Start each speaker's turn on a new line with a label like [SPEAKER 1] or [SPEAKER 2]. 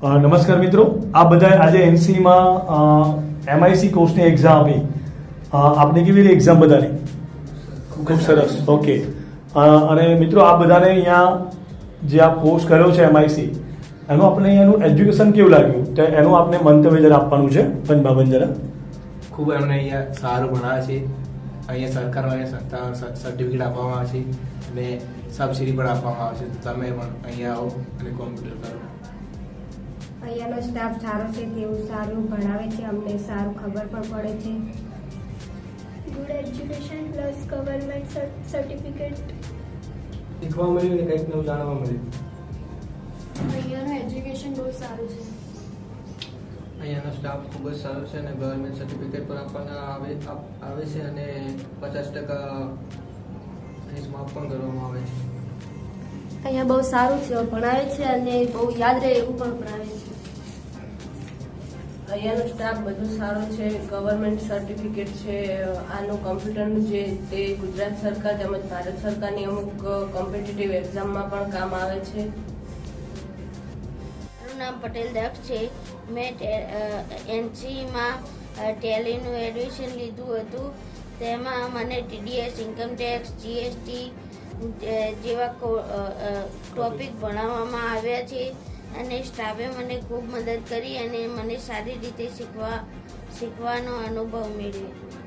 [SPEAKER 1] નમસ્કાર મિત્રો, આ બધા આજે એનસીમાં એમઆઈસી કોર્સની એક્ઝામ આપી. આપને કેવી રીતે એક્ઝામ બધાની? ખૂબ સરસ. ઓકે. અને મિત્રો આ બધાને અહીંયા જે આ કોર્સ કર્યો છે એમઆઈસી, એનું આપણે અહીંયાનું એજ્યુકેશન કેવું લાગ્યું તો એનું આપણે મંતવ્ય જરા આપવાનું છે. પંચબાબન જરા.
[SPEAKER 2] ખૂબ એમને અહીંયા સારું ભણાવે છે. અહીંયા સરકાર સર્ટિફિકેટ આપવામાં આવે છે અને સબસિડી પણ આપવામાં આવે છે. તો તમે પણ અહીંયા આવો અને કોમ્પ્યુટર કરો.
[SPEAKER 3] અહીંયાનો સ્ટાફ સારો છે, તેવું સારું ભણાવે છે, અમને સારું ખબર પણ પડે છે.
[SPEAKER 4] Good education plus government certificate.
[SPEAKER 2] શીખવા મળ્યું અને કંઈક નવું જાણવા મળ્યું.
[SPEAKER 4] અહીંયાનું એજ્યુકેશન બહુ સારું છે.
[SPEAKER 5] અહીંયાનો સ્ટાફ ખૂબ જ સારો છે અને ગવર્મેન્ટ સર્ટિફિકેટ પણ આપણને આવે છે અને 50% ફીસ માફ પણ કરવામાં આવે છે.
[SPEAKER 6] અહીંયા બહુ સારું છે, ભણાવે છે અને બહુ યાદ રહે એવું પણ ભણાવે છે.
[SPEAKER 7] અહીંયાનો સ્ટાફ બધું સારું છે, ગવર્મેન્ટ સર્ટિફિકેટ છે. આનું કમ્પ્યુટરનું જે તે ગુજરાત સરકાર તેમજ ભારત સરકારની અમુક કોમ્પિટિટિવ એક્ઝામમાં પણ કામ આવે છે.
[SPEAKER 6] મારું નામ પટેલ દક્ષ છે. મેં એનસીમાં ટેલીનું એડમિશન લીધું હતું. તેમાં મને ટીડીએસ, ઇન્કમટેક્સ, જીએસટી જેવા ટોપિક ભણાવવામાં આવ્યા છે અને સ્ટાફે મને ખૂબ મદદ કરી અને મને સારી રીતે શીખવાનો અનુભવ મેળવ્યો.